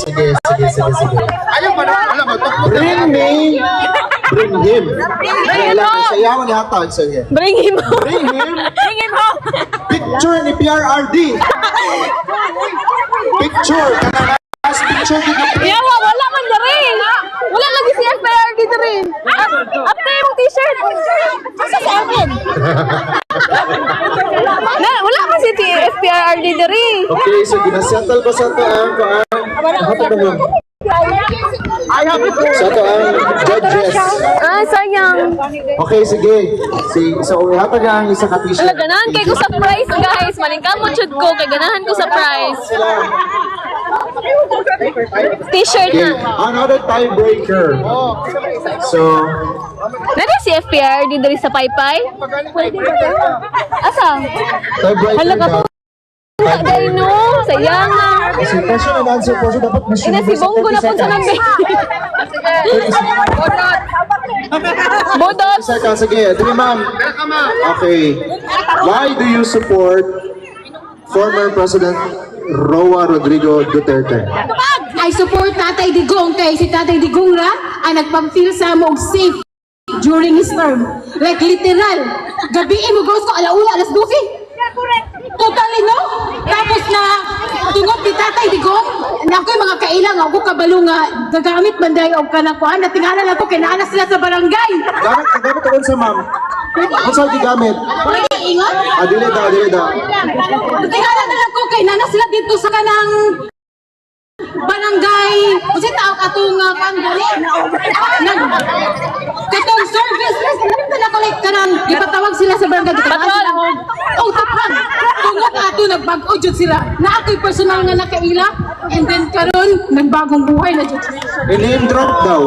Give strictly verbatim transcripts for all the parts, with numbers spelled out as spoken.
sige, sige, sige, sige. Ayaw ba na? Alam mo, Bring me, bring him. Kailangan sayawan ni hatag, sige. Bring him home. Bring him, Bring him home. picture ni P R R D. Picture, kanang last picture ni Yawa, wala man na rin. Wala lagi si F P R dito rin. After yung t-shirt. Asa sa akin? Na, wala kasi si F P R dito rin. Okay, so ginasettle ko sa ito ang paan. Hapon na mo. Sa ito ang judges. Ah, sayang. Okay, sige. Si, so, hatag ang isa ka t-shirt. Wala, ganahan kay ko sa prize, guys. Maningkamot chud ko, kay ganahan ko sa prize. T-shirt Okay, na. another tiebreaker. So, Nari si F P R dito rin sa Paypay? Asa? tiebreaker Hala ka na. po. Wala dahil no. Sayang na. Kasi question and answer po, so dapat mas Ina si Bongo na po sa nabi. Bodot. Second, sige. Dili, ma'am. Okay. Why do you support former President Roa Rodrigo Duterte? I support Tatay Digong kay si Tatay Digong ra ang nagpang-feel sa mo og safe during his term. Like literal, gabi mo goes ko alauna alas twelve. Totally no? Tapos na tungod ni Tatay Digong, na ako'y mga kailang ako kabalo nga gagamit man dahil og kanang kuan na tingala na to kinaanas sila sa barangay. Gamit, gamit ako sa ma'am. Ano sa gigamit? Pwede ingon? Ah, dili daw, dili daw. Tingala na lang ko kay nanas sila dito sa kanang barangay. Kasi tao katong uh, kandali. Nag katong service. Nagpunta na ko like kanang ipatawag sila sa barangay. Patrol. Oh, tapang. Tungod ato nagbag-o jud sila. Na ako'y personal nga nakaila. And then karon nagbagong buhay na jud. I-name drop daw.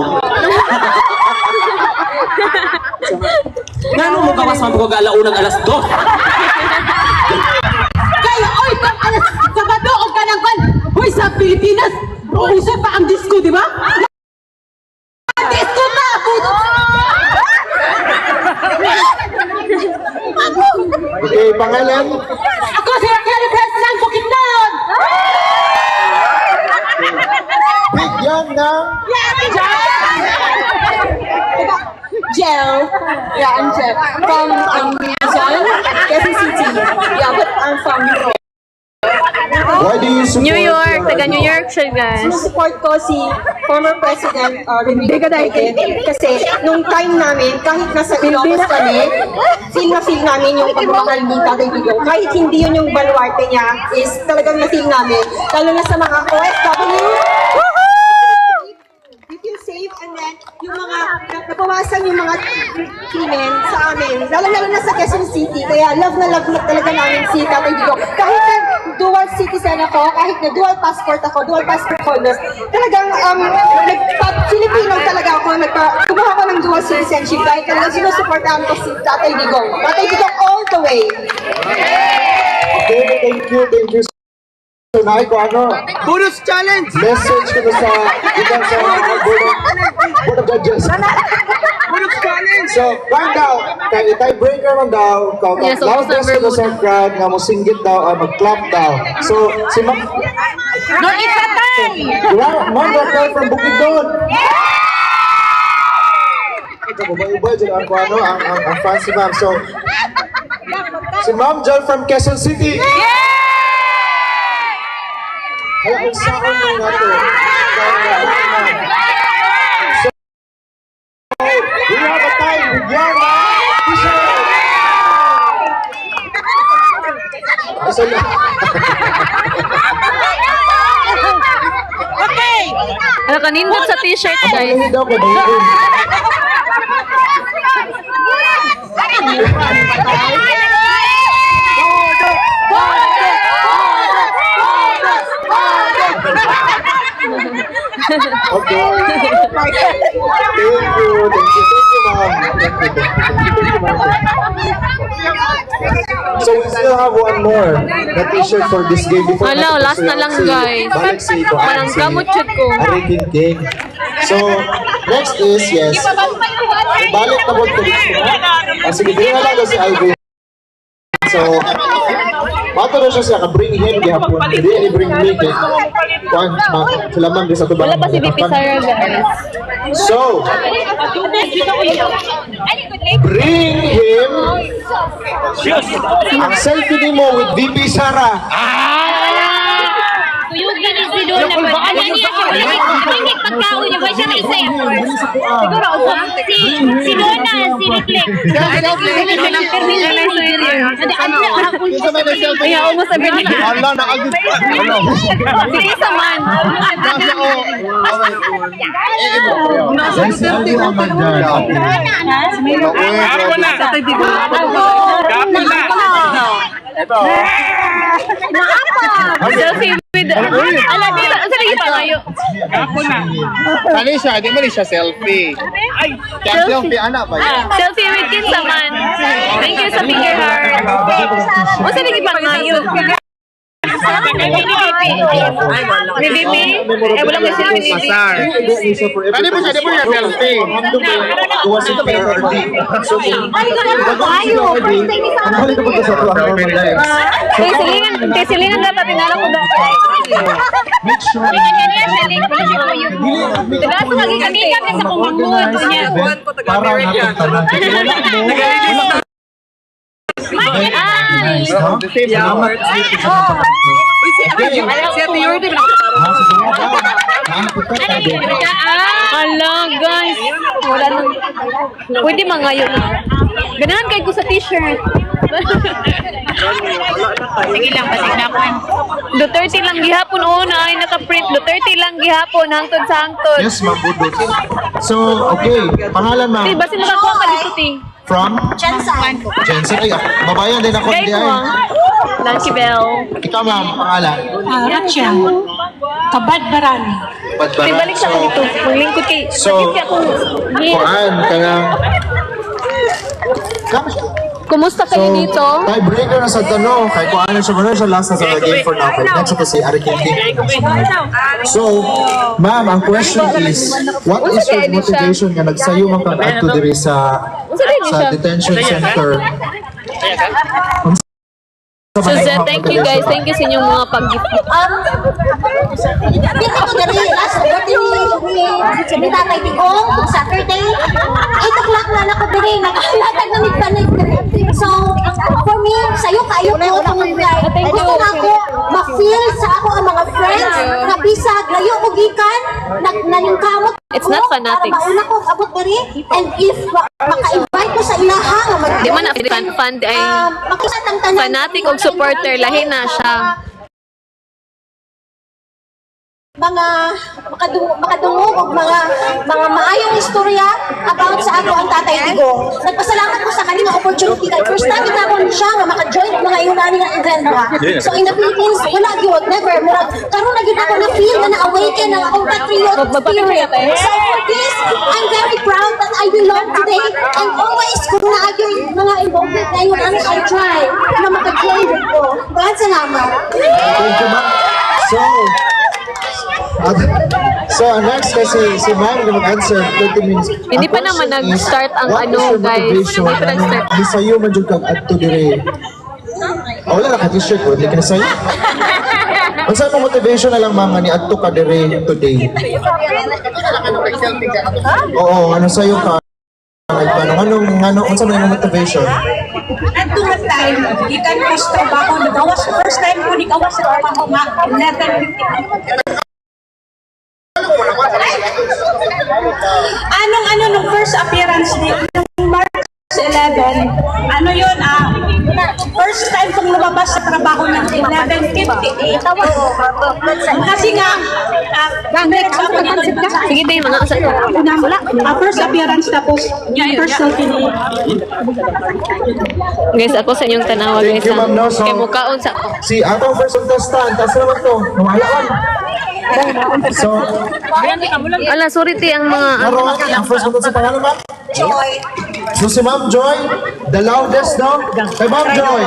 Ngano mo gawas man ko galaunang alas dos? Kaya oy kang alas Sabado o kanang kan. Hoy sa Pilipinas. Usa pa ang disco, di ba? Disco pa! Puto! Okay, pangalan? Ako si Raquel President Bukidnon! Bigyan ng... Gel. Yeah, I'm Gel. From um, Luzon, Quezon City. Yeah, but I'm from Europe. Why do you support... New York. Taga New York siya, guys. Support ko si former President uh, Rodrigo Duterte kasi nung time namin, kahit nasa Ilocos kami, feel na feel namin yung pagmamahal ni Tatay Digong. Kahit hindi yun yung baluarte niya, is talagang na-feel namin. Lalo na sa mga O F W. We feel safe, and then yung mga napawasan yung mga krimen sa amin, lalo-lalo na sa Quezon City. Kaya love na love na talaga namin si Tatay Digong. Kahit na dual citizen ako, kahit na dual passport ako, dual passport holders, talagang um, nagpa-Filipino talaga ako, nagpa kumuha ko ng dual citizenship dahil talagang sinusuportahan ko si Tatay Digong. Tatay Digong all the way. Okay, thank you, thank you. So, naay ko ano, Bonus challenge! message ko na sa ikan sa mga board of, board of judges. Bonus challenge! So, right now, kay tiebreaker man daw, kau Yes, yes, loudest number ko sa crowd nga mo singgit daw, uh, mag-clap daw. So, si Ma'am... No, ikatan! Diba? Ma'am Raquel from Bukidnon! Ito, bubay-ubay dyan ang ano, ang, ang, ang fans si Ma'am. So, si Ma'am Jel from Quezon City! Kaya kung saan mo nga to. So, we have a time with Yana T-shirt! Asa na? Ano ka, nindot sa t-shirt, guys. Hindi daw ka dito. Okay. Thank you. Thank you. Thank you, ma'am. Thank you. Thank you, ma'am. So we still have one more na t-shirt for this game before Hello, natin last na lang, si- guys. Balik si Iko. Parang gamot chud ko. Arikin King. So, next is, yes. Balik na po ko dito. Ah, sige, bigyan na lang daw si Ivy. So, Ato na siya siya, ka-bring him gihapon. Hindi, bring me. kay- Kuan, ma- sila ma'am, di sa tubang. Wala pa si V P Sara, guys. So, bring him ang selfie ni mo with V P Sara. Tuyugin ni si Dona po. Ano niya siya? Hindi pagkaon niya. Ba siya may isa effort? Siguro, si, si Dona, si Reflect. Ayaw mo sabihin niya. Allah, nakagit. Sige sa man. Selfie naman dyan. Gapo na. Gapo na. Selfie with... Alam nila, ang sarili pa ngayon. Gapo na. Kani siya, di mo ni siya selfie. Ay, kaya selfie, anak ba? Selfie with Kinsaman. Thank you sa finger heart. Ang sarili pa ngayon. Ni B P. Ni B P? Eh, wala ko sila ni B P. Kani mo siya, di mo siya selfie. Tuwa si P R D. So, Ay, ko na po kayo. ang hali ko pa sa tuwa ng mga lives. Kaya silingan, kaya silingan dapat tinala ko dapat. Make sure Tagas lagi kami kami sa kumangod. para natin tanan. Wala mo. Ay! Salamat. Ala, guys. Wala nang... Pwede mangayo na. Ganahan kay ko sa t-shirt. Sige lang, pasig na po. Duterte lang gihapon. Oo na, ay naka-print. Duterte lang gihapon. Hangtod sa hangtod. Yes, ma'am. Budot. So, okay. Pangalan, ma'am. Di, basi makakuha ka dito, ti. From? Jensen. Jensen. Ay, babayan din ako. Guys, Hindi ay. mo. Lucky bell. Ikaw, ma'am. Pangalan? Rachel. Kabadbaran. Di, balik sa akin dito. Maglingkod kay... So, Kasi ako... Kuan, kaya... Kami siya. Kumusta kayo dito? Tiebreaker na sa tanong. Kay Kuan na siya muna siya last na sa game for now. Kaya next ito si Ari Kinti. So, ma'am, ang question is, what is your motivation nga nagsayo man kang adto diri sa sa detention center? Suzette, thank you guys. Thank you sa inyong mga pag-gift. Um, dito ko dali, last birthday ni, ni, ni Tatay Digong, Saturday, eight o'clock na ako dali, nakalatag na nagpanig dali. So, for me, sa'yo kayo ko, kung like, gusto na ako, ma-feel sa ako ang mga friends, na bisag, layo ko gikan, nagkamot It's not fanatics. Para mauna ko abot dali, and if ma- maka-invite ko sa ilaha, nga mag- Di man na fan, fan ay um, makisatang tanan. fanatic o supporter, lahi na siya. mga makadungog, makadungog o mga mga maayong istorya about sa ako ang Tatay Digong. Nagpasalamat ko sa kanina opportunity kay first time kita ko siya nga maka-join og mga iunani nga event ba. So in the Philippines, wala gyud, never murag karon na gyud ako na feel na na-awaken ang akong patriotic spirit. So for this, I'm very proud that I belong today and always kung naagyo mga involved ngayon ano I try na maka-join ko. Maraming salamat. Thank you, ma'am. So, at, so next kasi si ma'am na mag-answer thirty minutes. Hindi Ang pa naman question nag-start is, ang what ano, is your guys. motivation Hindi pa na nag-start. Di sa'yo man dyan kag adto dire. Oh, wala na ka t-shirt ko, hindi ka na sa'yo. Ang saan mo motivation na lang ma'am nga ni adto ka dire today? Oo, ano sa'yo ka? Nagtanong, anong, ano, ano saan mo yung motivation? At tumat time, ikan ko sa trabaho, nagawas first time ko nagawas sa trabaho nga, eleven fifty. Anong ano nung first appearance ni nung March eleven, ano yun ah, first time kong lumabas sa trabaho ng eleven fifty-eight. Kasi nga, ah, next ako dito. Sige din, mga asa ko. Unang, ah, first appearance tapos yung first selfie ni Guys, ako sa inyong tanawa, guys. Thank you, ma'am, no? So- Kay mukhaon sa ako. Si atong first contestant, taas naman to. Nawala ka. So, Ala, sorry ti ang mga... naroon, ang first contestant pangalan ma'am? Joy. So si Ma'am Joy, the loudest no? Kay Ma'am Joy.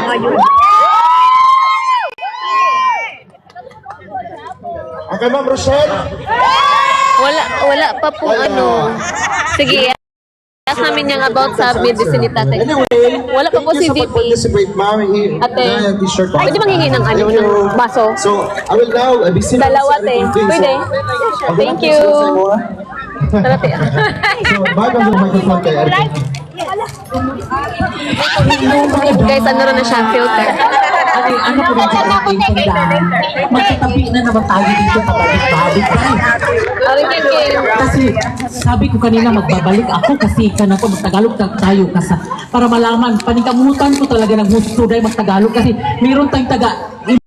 Okay, Ma'am Rochelle. Wala, wala pa po Wala. ano. Sige, Ask namin yung about sa medicine ni tatay. Anyway, Wala pa po si thank you V sa P. pag-participate, ma'am. I- Ate, na yung t-shirt ko. pwede manghingi ng ano, Thank you. ng baso? So, I will now uh, be sitting Dalawa, sa te. everything. Pwede. So, ako Thank lang you. po sa inyo, ah. Tara, te. So, bago ang microphone kay Arkin. Guys, ano rin na siya, filter. Ay, ano ko rin sa ating tandaan, magkatabi na naman tayo dito pabalik-balik. Aring Kim. Kasi sabi ko kanina magbabalik ako kasi kanang ko magtagalog ta- tayo kasi para malaman panikamutan ko talaga ng gusto dahil magtagalog kasi mayroon tayong taga